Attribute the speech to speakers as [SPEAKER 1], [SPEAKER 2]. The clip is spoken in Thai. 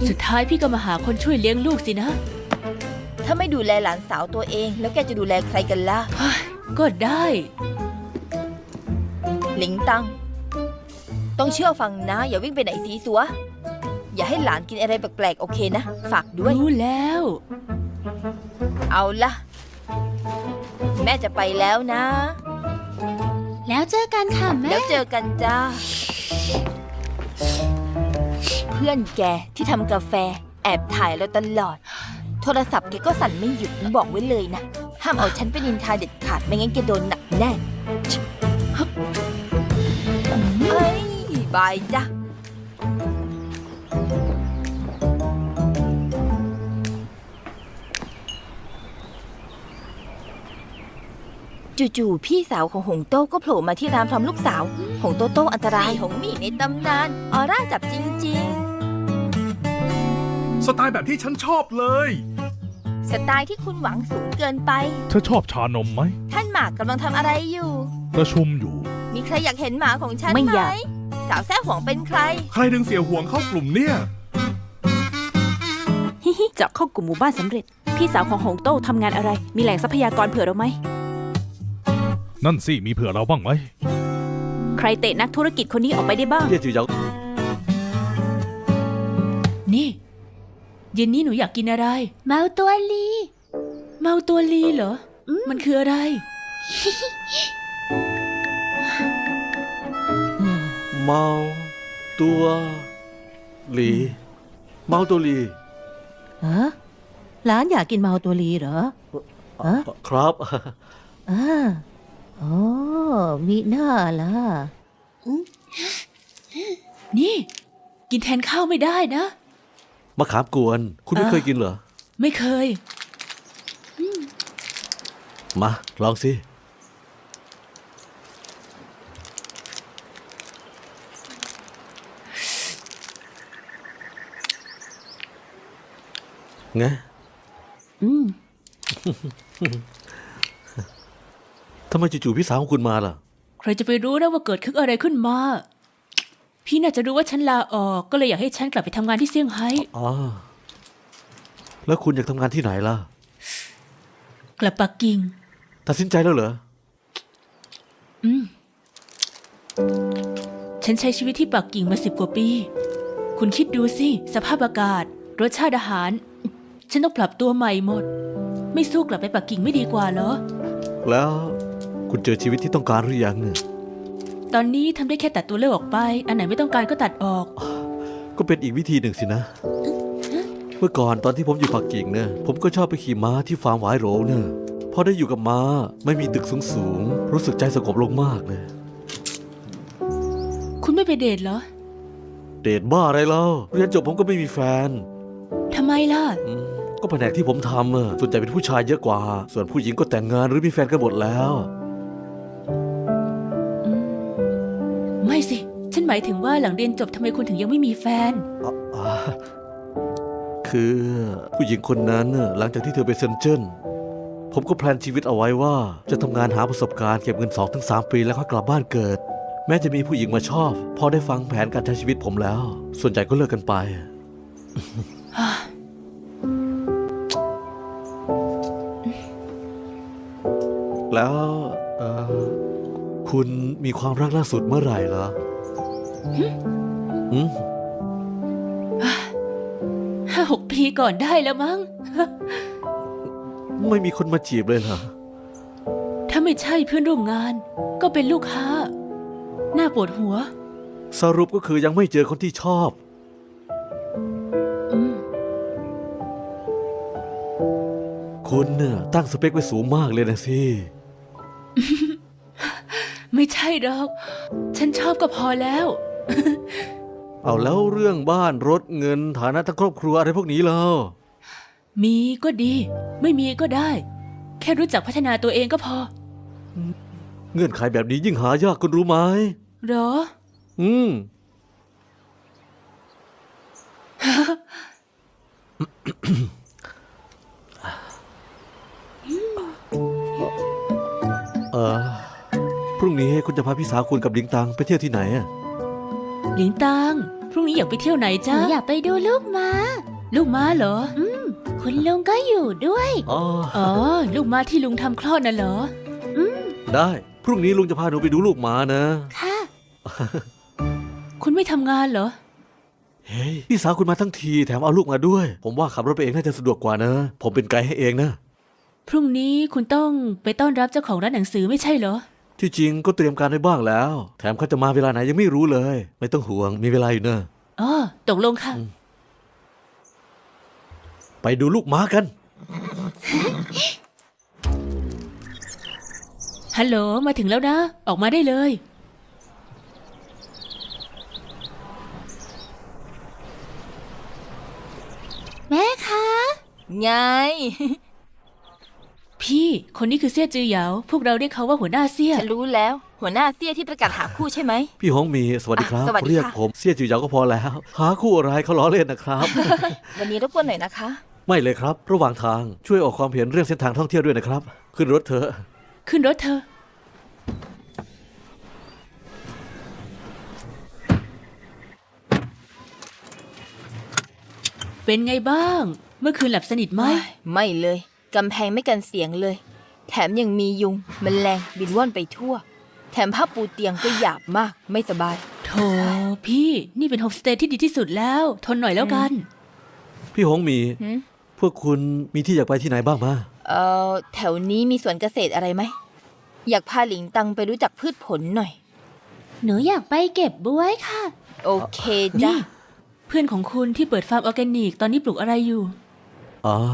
[SPEAKER 1] สุดท้ายพี่ก็มาหาคนช่วยเลี้ยงลูกสินะ
[SPEAKER 2] ถ้าไม่ดูแลหลานสาวตัวเองแล้วแกจะดูแลใครกันล่ะ
[SPEAKER 1] เฮ้ยก็ได้
[SPEAKER 2] หลิงตังต้องเชื่อฟังนะอย่าวิ่งไปไหนสีสัวอย่าให้หลานกินอะไรแปลกๆโอเคนะฝากด้วย
[SPEAKER 1] รู้แล้ว
[SPEAKER 2] เอาล่ะ แม่จะไปแล้วนะ
[SPEAKER 3] แล้วเจอกันค่ะแม่
[SPEAKER 2] แล้วเจอกันจ้า เพื่อนแกที่ทำกาแฟแอบถ่ายเราตลอด โทรศัพท์แกก็สั่นไม่หยุดบอกไว้เลยนะ ห้ามเอาฉันไปนินทาเด็ดขาดไม่งั้นแกโดนหนักแน่เอ้ยบายจ้ะจู่ๆพี่สาวของหงโต้ก็โผล่มาที่ร้านพร้อมลูกสาว หงโตโต้อันตรายหงหมี่ในตำนานออร่าจับจริงๆ
[SPEAKER 4] สไตล์แบบที่ฉันชอบเลย
[SPEAKER 2] สไตล์ที่คุณหวังสูงเกินไป
[SPEAKER 5] เธอชอบชานมไหม
[SPEAKER 2] ท่านหมากกำลังทำอะไรอยู่
[SPEAKER 5] ประชุมอยู่
[SPEAKER 2] มีใครอยากเห็นหมาของฉัน
[SPEAKER 3] ไม่
[SPEAKER 2] ไหม
[SPEAKER 3] อยาก
[SPEAKER 2] สาวแซ่หวงเป็นใคร
[SPEAKER 4] ใครดึงเสี่ยวห่วงเข้ากลุ่มเนี่ย
[SPEAKER 3] ฮิฮิเจาะเข้ากลุ่มหมู่บ้านสำเร็จ พี่สาวของหงโต้ทำงานอะไร มีแหล่งทรัพยากรเผื่อเราไหม
[SPEAKER 5] นั่นสิ มีเผื่อเราบ้างไหม
[SPEAKER 3] ใครเตะนักธุรกิจคนนี้ออกไปได้บ้าง
[SPEAKER 6] เย่จือเหยา
[SPEAKER 1] นี่เย็นนี้หนูอยากกินอะไร
[SPEAKER 3] เมาตัวลี
[SPEAKER 1] เมาตัวลีเหรอ มันคืออะไร
[SPEAKER 6] เมาตัวหลีเมาตัวหลี
[SPEAKER 7] ฮะหลานอยากกินเมาตัวลีเหรอ ฮะ
[SPEAKER 6] ครับ
[SPEAKER 7] อ๋อมีหน้าล่ะ
[SPEAKER 1] นี่ กินแทนข้าวไม่ได้นะ
[SPEAKER 6] มะขามกวน คุณไม่เคยกินเหรอ
[SPEAKER 1] ไม่เคย
[SPEAKER 6] มาลองสิไง ทำไมจู่ๆพี่สาวของคุณมาล่ะ
[SPEAKER 1] ใครจะไปรู้นะว่าเกิดขึ้นอะไรขึ้นมา พี่น่าจะรู้ว่าฉันลาออก ก็เลยอยากให้ฉันกลับไปทำงานที่เซี่ยงไฮ้
[SPEAKER 6] อ๋อ แล้วคุณอยากทำงานที่ไหนล่ะ
[SPEAKER 1] กลับปักกิ่ง
[SPEAKER 6] ตัดสินใจแล้วเหรอ
[SPEAKER 1] ฉันใช้ชีวิตที่ปักกิ่งมา10 กว่าปี คุณคิดดูสิ สภาพอากาศ รสชาติอาหาร ฉันต้องปรับตัวใหม่หมด ไม่สู้กลับไปปักกิ่งไม่ดีกว่าเหรอ
[SPEAKER 6] แล้วคุณเจอชีวิตที่ต้องการหรือยังเนี่ย
[SPEAKER 1] ตอนนี้ทำได้แค่ตัดตัวเลือกออกไป อันไหนไม่ต้องการก็ตัดออก
[SPEAKER 6] ก็เป็นอีกวิธีหนึ่งสินะ เมื่อก่อนตอนที่ผมอยู่ปักกิ่งเนี่ยผมก็ชอบไปขี่ม้าที่ฟาร์มหวายโหลเนี่ยพอได้อยู่กับม้าไม่มีตึกสูงๆรู้สึกใจสงบลงมากเลย
[SPEAKER 1] คุณไม่ไปเดทเหรอ
[SPEAKER 6] เดทบ้าอะไรเล่าเรียนจบผมก็ไม่มีแฟน
[SPEAKER 1] ทำไมล่ะ
[SPEAKER 6] ก็แผนกที่ผมทำอะส่วนใหญ่เป็นผู้ชายเยอะกว่า ส่วนผู้หญิงก็แต่งงานหรือมีแฟนกันหมดแล้ว
[SPEAKER 1] ไม่สิ ฉันหมายถึงว่าหลังเรียนจบทำไมคุณถึงยังไม่มีแฟน
[SPEAKER 6] คือผู้หญิงคนนั้นน่ะหลังจากที่เธอไปเซนเจิ้นผมก็แพลนชีวิตเอาไว้ว่าจะทำงานหาประสบการณ์เก็บเงิน 2-3 ปีแล้วค่อยกลับบ้านเกิด แม้จะมีผู้หญิงมาชอบพอได้ฟังแผนการใช้ชีวิตผมแล้ว ส่วนใหญ่ก็เลิกกันไป แล้วคุณมีความรักล่าสุดเมื่อไหร่เหรอหืม
[SPEAKER 1] 5-6 ปีก่อนได้แล้วมั้ง
[SPEAKER 6] ไม่มีคนมาจีบเลยเหรอ
[SPEAKER 1] ถ้าไม่ใช่เพื่อนร่วมงาน ก็เป็นลูกค้า น่าปวดหัว
[SPEAKER 6] สรุปก็คือยังไม่เจอคนที่ชอบ
[SPEAKER 1] อืม
[SPEAKER 6] คุณเนี่ยตั้งสเปคไว้สูงมากเลยนะสิ
[SPEAKER 1] ไม่ใช่หรอก ฉันชอบก็พอแล้ว
[SPEAKER 6] เอาแล้วเรื่องบ้านรถเงินฐานะทางครอบครัวอะไรพวกนี้ล่ะ
[SPEAKER 1] มีก็ดี ไม่มีก็ได้ แค่รู้จักพัฒนาตัวเองก็พอ
[SPEAKER 6] เงื่อนไขแบบนี้ยิ่งหายากคุณรู้ไหม
[SPEAKER 1] เหรอ
[SPEAKER 6] อืม พรุ่งนี้คุณจะพาพี่สาวคุณกับลิงตังไปเที่ยวที่ไหนอะ
[SPEAKER 1] หลิงตาง พรุ่งนี้อยากไปเที่ยวไหนจ้า
[SPEAKER 2] อยากไปดูลูกม้า
[SPEAKER 1] ลูกม้าเหรอ
[SPEAKER 2] คุณลุงก็อยู่ด้วย
[SPEAKER 6] อ๋อ
[SPEAKER 1] อ๋อ ลูกม้าที่ลุงทำคลอดน่ะเหรอ
[SPEAKER 6] ได้ พรุ่งนี้ลุงจะพาหนูไปดูลูกหมานะ
[SPEAKER 2] ค่ะ
[SPEAKER 1] คุณไม่ทำงานเหรอ
[SPEAKER 6] เฮ้ยพี่สาวคุณมาทั้งทีแถมเอาลูกมาด้วย ผมว่าขับรถไปเองน่าจะสะดวกกว่านะ ผมเป็นไกด์ให้เองนะ
[SPEAKER 1] พรุ่งนี้คุณต้องไปต้อนรับเจ้าของร้านหนังสือไม่ใช่เหรอ
[SPEAKER 6] ที่จริงก็เตรียมการไว้บ้างแล้ว แถมเขาจะมาเวลาไหนยังไม่รู้เลย ไม่ต้องห่วงมีเวลาอยู่เนอะ
[SPEAKER 1] อ๋อ ตกลงค่ะ
[SPEAKER 6] ไปดูลูกหมากัน
[SPEAKER 1] ฮัลโหล มาถึงแล้วนะ ออกมาได้เลย
[SPEAKER 2] แม่คะไง
[SPEAKER 1] พี่ คนนี้คือเสี่ยจือเหยา พวกเราเรียกเขาว่าหัวหน้าเสี่ย
[SPEAKER 2] ฉันรู้แล้ว หัวหน้าเตี้ยที่ประกาศหาคู่ใช่ไหม
[SPEAKER 6] พี่ฮงมีสวัสดีครับ
[SPEAKER 2] สวัสดีค่ะ
[SPEAKER 6] เรียกผมเสี่ยจือเหยาก็พอแล้ว หาคู่อะไรเขาล้อเล่นนะครับ
[SPEAKER 2] วันนี้รบกวนหน่อยนะคะ
[SPEAKER 6] ไม่เลยครับ ระหว่างทางช่วยออกความเห็นเรื่องเส้นทางท่องเที่ยวด้วยนะครับ ขึ้นรถเถอะ
[SPEAKER 1] ขึ้นรถเธอ เป็นไงบ้าง เมื่อคืนหลับสนิทไหม
[SPEAKER 2] ไม่เลย กำแพงไม่กันเสียงเลย แถมยังมียุงแมลงบินว่อนไปทั่ว แถมผ้าปูเตียงก็หยาบมาก ไม่สบาย
[SPEAKER 1] โถพี่ นี่เป็นโฮมสเตย์ที่ดีที่สุดแล้ว ทนหน่อยแล้วกัน
[SPEAKER 6] พี่ฮงมี
[SPEAKER 2] หืม
[SPEAKER 6] พวกคุณมีที่อยากไปที่ไหนบ้างมา
[SPEAKER 2] แถวนี้มีสวนเกษตรอะไรไหม อยากพาหลิงตังไปรู้จักพืชผลหน่อย หนูอยากไปเก็บบ้วยค่ะ โอเคจ้ะ
[SPEAKER 1] นี่ เพื่อนของคุณที่เปิดฟาร์มออร์แกนิกตอนนี้ปลูกอะไรอยู่
[SPEAKER 6] อ๋อ